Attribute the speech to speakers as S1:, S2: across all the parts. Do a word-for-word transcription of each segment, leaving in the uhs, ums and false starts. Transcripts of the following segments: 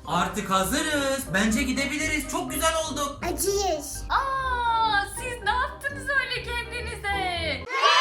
S1: Artık hazırız. Bence gidebiliriz. Çok güzel olduk.
S2: Acıyız.
S3: Aa, siz ne yaptınız öyle kendinize?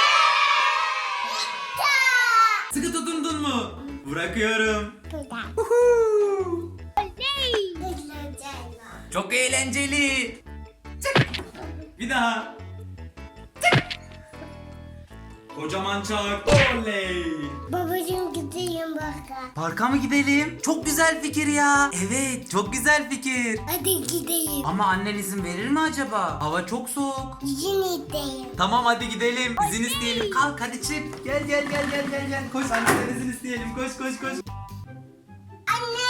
S1: Sıkı tutundun mu? Bırakıyorum.
S2: Buradan.
S1: Huhu.
S2: Güzel.
S1: Çok eğlenceli. Çık. Bir daha. Çık. Kocaman çak. Oley.
S2: Babacığım gideyim baka.
S1: Parka mı gidelim? Çok güzel fikir ya. Evet, çok güzel fikir.
S2: Hadi gideyim.
S1: Ama annen izin verir mi acaba? Hava çok soğuk.
S2: Yine gideyim.
S1: Tamam hadi gidelim. İzin isteyelim. Kalk hadi çık. Gel gel gel gel gel gel. Koş anneden izin isteyelim. Koş koş koş.
S2: Anne.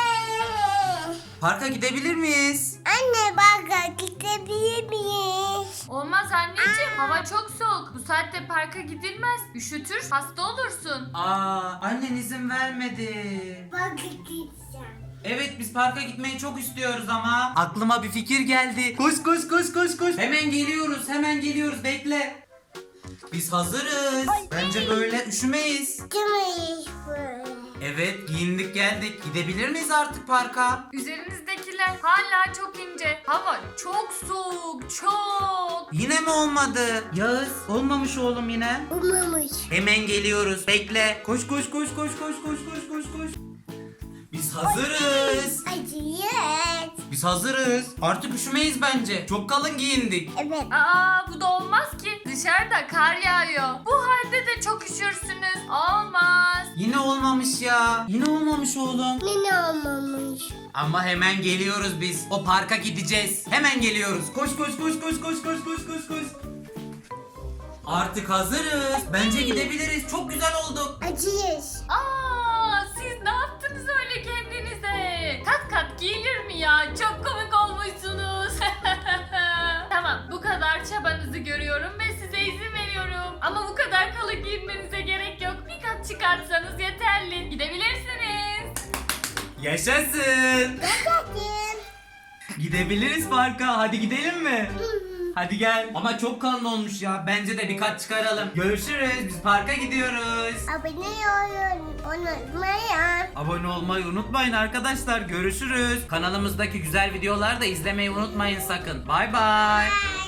S1: Parka gidebilir miyiz?
S2: Anne baka gidebilir miyiz?
S3: Olmaz anneciğim. Hava çok soğuk. Bu saatte parka gidilmez. Üşütür, hasta olursun.
S1: Aa, annen izin vermedi.
S2: Baka gideceğim.
S1: Evet biz parka gitmeyi çok istiyoruz ama. Aklıma bir fikir geldi. Koş koş koş koş koş. Hemen geliyoruz hemen geliyoruz bekle. Biz hazırız. Bence böyle üşümeyiz.
S2: Gidemeyiz böyle.
S1: Evet giyindik geldik. Gidebilir miyiz artık parka?
S3: Üzerinizdekiler hala çok ince. Hava çok soğuk, çok.
S1: Yine mi olmadı? Yağız olmamış oğlum yine.
S2: Umamış.
S1: Hemen geliyoruz. Bekle. Koş koş koş koş koş koş koş koş koş. Biz hazırız.
S2: Acıyız.
S1: Biz hazırız. Artık üşümeyiz bence. Çok kalın giyindik.
S2: Evet.
S3: Aa, bu da olmaz ki. Dışarıda kar yağıyor. Bu halde de çok üşürsünüz. Olmaz.
S1: Yine olmamış ya. Yine olmamış oğlum.
S2: Yine olmamış.
S1: Ama hemen geliyoruz biz. O parka gideceğiz. Hemen geliyoruz. Koş koş koş koş koş koş koş koş koş. Artık hazırız. Bence gidebiliriz. Çok güzel olduk.
S2: Acıyız.
S3: Aa, siz ne yaptınız öyle kendinize? Kat kat giyilir mi ya? Çok komik olmuşsunuz. Tamam, bu kadar çabanızı görüyorum ve size izin veriyorum. Ama bu kadar kalın giyinmenize gerek yok. Bir kat çıkartsanız yeterli. Gidebilirsiniz.
S1: Yaşasın.
S2: Bakayım.
S1: Gidebiliriz parka. Hadi gidelim mi? Hadi gel. Ama çok kalın olmuş ya. Bence de birkaç çıkaralım. Görüşürüz. Biz parka gidiyoruz.
S2: Abone olun. Unutmayın.
S1: Abone olmayı unutmayın arkadaşlar. Görüşürüz. Kanalımızdaki güzel videoları da izlemeyi unutmayın sakın. Bay bay.
S2: Bye.